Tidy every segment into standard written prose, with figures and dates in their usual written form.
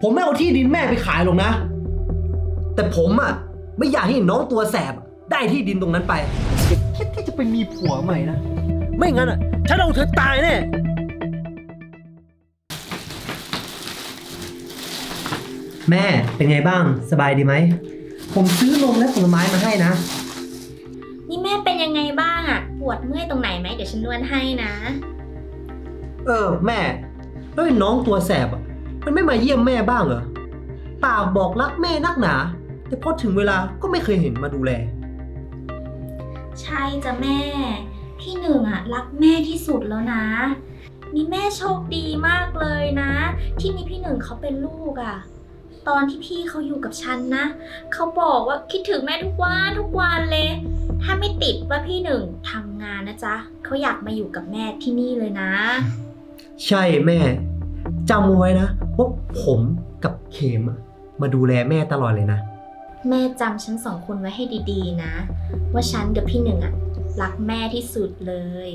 ผมไม่เอาที่ดินแม่ไปขายหรอกนะแต่ผมอ่ะไม่อยากให้น้องตัวแสบได้ที่ดินตรงนั้นไปอย่าคิดที่จะไปมีผัวใหม่นะไม่งั้นอ่ะฉันเอาเธอตายแน่แม่เป็นไงบ้างสบายดีไหมผมซื้อนมและผลไม้มาให้นะนี่แม่เป็นยังไงบ้างอะปวดเมื่อยตรงไหนไหมเดี๋ยวฉันนวดให้นะแม่แล้วไอ้น้องตัวแสบอ่ะมันไม่มาเยี่ยมแม่บ้างเหรอปากบอกรักแม่นักหนาแต่พอถึงเวลาก็ไม่เคยเห็นมาดูแลใช่จ้ะแม่พี่หนึ่งอะรักแม่ที่สุดแล้วนะนี่แม่โชคดีมากเลยนะที่มีพี่หนึ่งเขาเป็นลูกอะตอนที่พี่เขาอยู่กับฉันนะเขาบอกว่าคิดถึงแม่ทุกวันเลยถ้าไม่ติดว่าพี่หนึ่งทำงานนะจ๊ะเขาอยากมาอยู่กับแม่ที่นี่เลยนะใช่แม่จำไว้นะว่าผมกับเขมมาดูแลแม่ตลอดเลยนะแม่จำฉันสองคนไว้ให้ดีๆนะว่าฉันกับพี่หนึ่งอะรักแม่ที่สุดเลย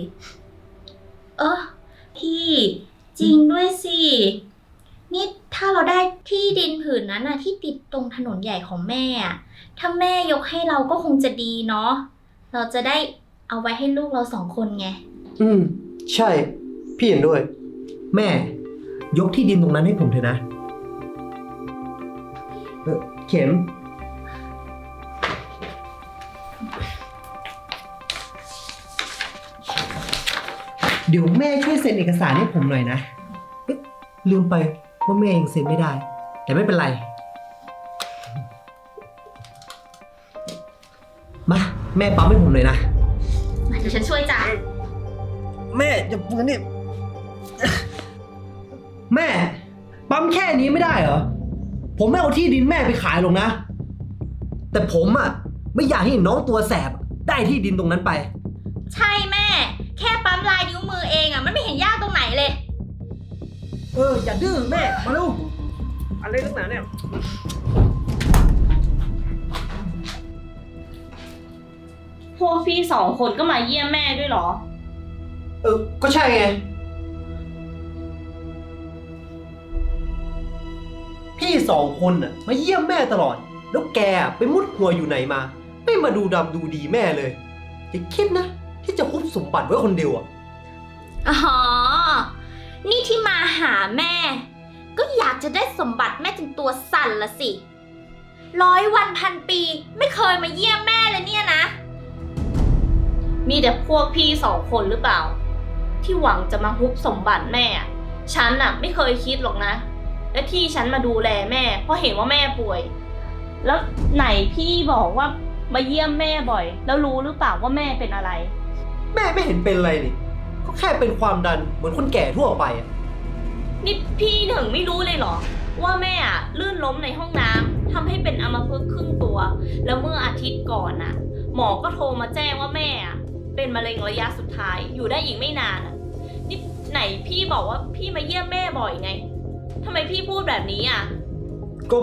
พี่จริงด้วยสินี่ถ้าเราได้ที่ดินผืนนั้นนะที่ติดตรงถนนใหญ่ของแม่อะถ้าแม่ยกให้เราก็คงจะดีเนาะเราจะได้เอาไว้ให้ลูกเราสองคนไงใช่พี่เห็นด้วยแม่ยกที่ดินตรงนั้นให้ผมเถอะนะเข็มเดี๋ยวแม่ช่วยเซ็นเอกสารให้ผมหน่อยนะลืมไปว่าแม่ยังเซ็นไม่ได้แต่ไม่เป็นไรมาแม่ปั๊มให้ผมหน่อยนะเดี๋ยวฉันช่วยจ้ะแม่อย่าปืนนี่แม่ปั๊มแค่นี้ไม่ได้เหรอผมไม่เอาที่ดินแม่ไปขายหรอกนะแต่ผมอ่ะไม่อยากให้น้องตัวแสบได้ที่ดินตรงนั้นไปใช่แม่แค่ปั๊มลายนิ้วมือเองอ่ะมันไม่เห็นยากตรงไหนเลยอย่าดื้อแม่มาลูกอะไรนักหนาเนี่ยพวกพี่สองคนก็มาเยี่ยมแม่ด้วยเหรอก็ใช่ไงพี่สองคนน่ะมาเยี่ยมแม่ตลอดแล้วแกไปมุดหัวอยู่ไหนมาไม่มาดูดำดูดีแม่เลยอย่าคิดนะที่จะคุบสมบัติไว้คนเดียวนี่ที่มาหาแม่ก็อยากจะได้สมบัติแม่จนตัวสั่นละสิ100 วันพันปีไม่เคยมาเยี่ยมแม่เลยเนี่ยนะมีแต่พวกพี่สองคนหรือเปล่าที่หวังจะมาฮุบสมบัติแม่ฉันน่ะไม่เคยคิดหรอกนะและที่ฉันมาดูแลแม่เพราะเห็นว่าแม่ป่วยแล้วไหนพี่บอกว่ามาเยี่ยมแม่บ่อยแล้วรู้หรือเปล่าว่าแม่เป็นอะไรแม่ไม่เห็นเป็นอะไรนี่ก็แค่เป็นความดันเหมือนคนแก่ทั่วไปนี่พี่หนึ่งไม่รู้เลยเหรอว่าแม่ลื่นล้มในห้องน้ำทำให้เป็นอัมพฤกษ์ครึ่งตัวแล้วเมื่ออาทิตย์ก่อนหมอก็โทรมาแจ้งว่าแม่เป็นมะเร็งระยะสุดท้ายอยู่ได้อีกไม่นานนี่ไหนพี่บอกว่าพี่มาเยี่ยมแม่บ่อยไงทำไมพี่พูดแบบนี้ก็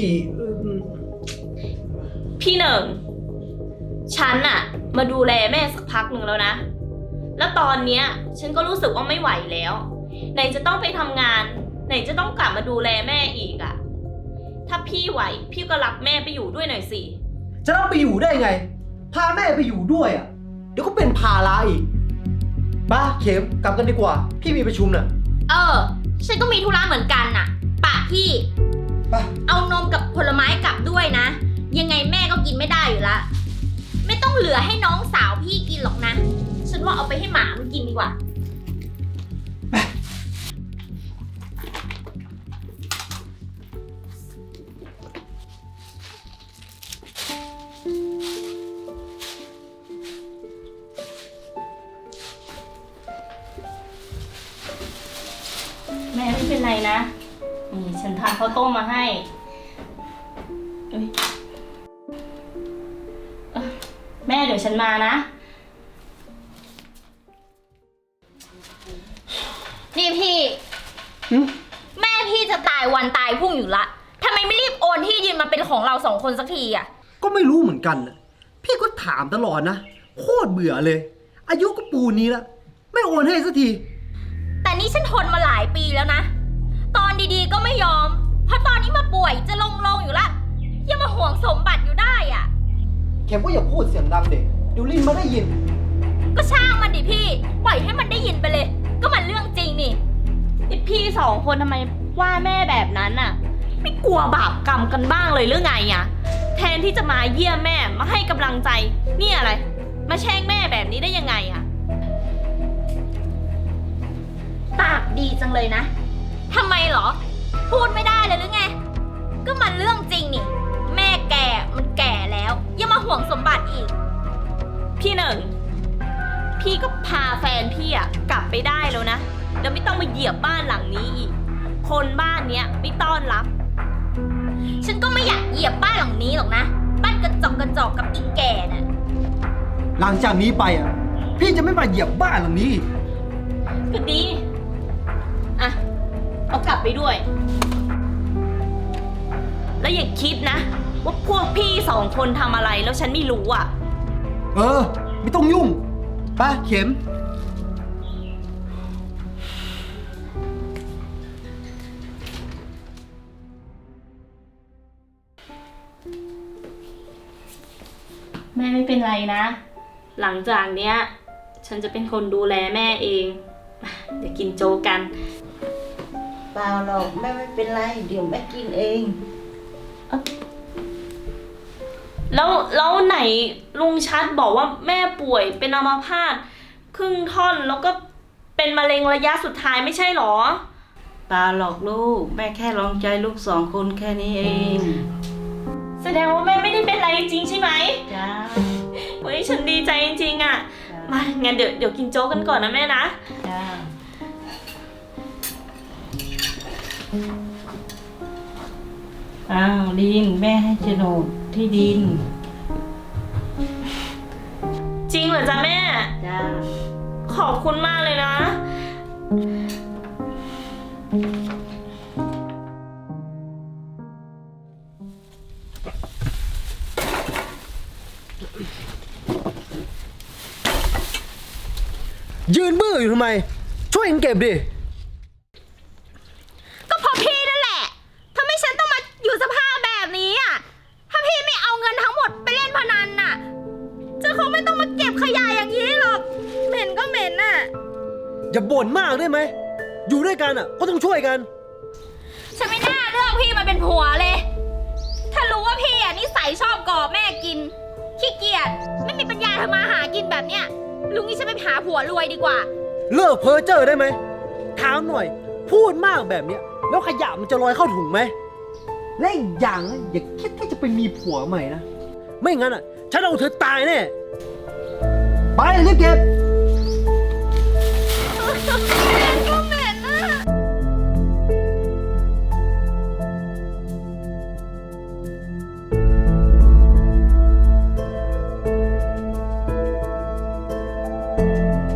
พี่หนึ่งฉันมาดูแลแม่สักพักหนึ่งแล้วนะแล้วตอนเนี้ยฉันก็รู้สึกว่าไม่ไหวแล้วไหนจะต้องไปทำงานไหนจะต้องกลับมาดูแลแม่อีกถ้าพี่ไหวพี่ก็รับแม่ไปอยู่ด้วยหน่อยสิจะรับไปอยู่ได้ไงพาแม่ไปอยู่ด้วยเดี๋ยวก็เป็นภาระอีกป้าเข็มกลับกันดีกว่าพี่มีประชุมน่ะฉันก็มีธุระเหมือนกันน่ะป่ะพี่เอานมกับผลไม้กลับด้วยนะยังไงแม่ก็กินไม่ได้อยู่ละไม่ต้องเหลือให้น้องสาวพี่กินหรอกนะฉันว่าเอาไปให้หมามันกินดีกว่าแม่ไม่เป็นไรนะนี่ฉันทานข้าวต้มมาให้แม่เดี๋ยวฉันมานะนี่พี่แม่พี่จะตายวันตายพรุ่งอยู่ละทำไมไม่รีบโอนที่ดินมาเป็นของเรา2 คนสักทีก็ไม่รู้เหมือนกันพี่ก็ถามตลอดนะโคตรเบื่อเลยอายุก็ปูนี้แล้วไม่โอนให้สักทีแต่นี่ฉันทนมาหลายปีแล้วนะตอนดีๆก็ไม่ยอมพอตอนข็มก็อย่าพูดเสียงดังเด็กเดี๋ยวลินมาได้ยินก็ช่างมันดิพี่ ปล่อยให้มันได้ยินไปเลย ก็มันเรื่องจริงนี่พี่สองคนทำไมว่าแม่แบบนั้นน่ะ ไม่กลัวบาปกรรมกันบ้างเลยหรือไงอะแทนที่จะมาเยี่ยมแม่มาให้กำลังใจนี่อะไร มาแช่งแม่แบบนี้ได้ยังไงอะปากดีจังเลยนะ ทำไมเหรอ พูดไม่ได้เลยหรือไง ก็มันเรื่องจริงนี่ แม่แกมันแก่แล้ว ยังมาห่วงสมบัติอีกพี่หนึ่ง พี่ก็พาแฟนพี่อะกลับไปได้แล้วนะแล้วไม่ต้องมาเหยียบบ้านหลังนี้อีก คนบ้านเนี้ยไม่ต้อนรับฉันก็ไม่อยากเหยียบบ้านหลังนี้หรอกนะ บ้านกระจอกกับอีแก่น่ะหลังจากนี้ไปอ่ะ พี่จะไม่มาเหยียบบ้านหลังนี้อีกก็ดี อ่ะ เอากลับไปด้วย แล้วอย่าคิดนะ ว่าพวกพี่สองคนทำอะไรแล้วฉันไม่รู้อ่ะไม่ต้องยุ่งไปเข็มแม่ไม่เป็นไรนะ หลังจากเนี้ย ฉันจะเป็นคนดูแลแม่เอง เดี๋ยวกินโจ๊กกันเปล่าหรอกแม่ไม่เป็นไร เดี๋ยวแม่กินเองแล้วไหนลุงชัดบอกว่าแม่ป่วยเป็นอัมพาตครึ่งท่อนแล้วก็เป็นมะเร็งระยะสุดท้ายไม่ใช่หรอเปล่าหรอกลูก แม่แค่ลองใจลูกสองคนแค่นี้เองแสดงว่าแม่ไม่ได้เป็นอะไรจริงๆใช่ไหมจ้าเฮ้ยฉันดีใจจริงๆอ่ะ มางั้นเดี๋ยวกินโจ๊กกันก่อนนะแม่นะจ้าอ้าวลินแม่ให้โฉนดที่ดินจริงเหรอจ๊ะแม่จ้าขอบคุณมากเลยนะยืนบื้ออยู่ทำไม ช่วยกันเก็บดิก็เพราะพี่นั่นแหละทำให้ฉันต้องมาอยู่สภาพแบบนี้อ่ะ ถ้าพี่ไม่เอาเงินทั้งหมดไปเล่นพนันน่ะจะคงไม่ต้องมาเก็บขยะอย่างนี้หรอก เหม็นก็เหม็นน่ะอย่าบ่นมากได้ไหม อยู่ด้วยกันอ่ะ ก็ต้องช่วยกันฉันไม่น่าเลือกพี่มาเป็นผัวเลย ถ้ารู้ว่าพี่อ่ะนิสัยชอบก่อแม่กิน ขี้เกียจ ไม่มีปัญญาทำมาหากินแบบเนี้ย ลุงนี่ฉันไปหาผัวรวยดีกว่าเลิกเพ้อเจ้อได้ไหมถามหน่อย พูดมากแบบเนี้ย แล้วขยะมันจะลอยเข้าถุงไหม และอีกอย่างนะอย่าคิดที่จะไปมีผัวใหม่นะ ไม่งั้นอ่ะ ฉันเอาเธอตายแน่ ไปรีบเก็บก็เหม็นอ่ะเ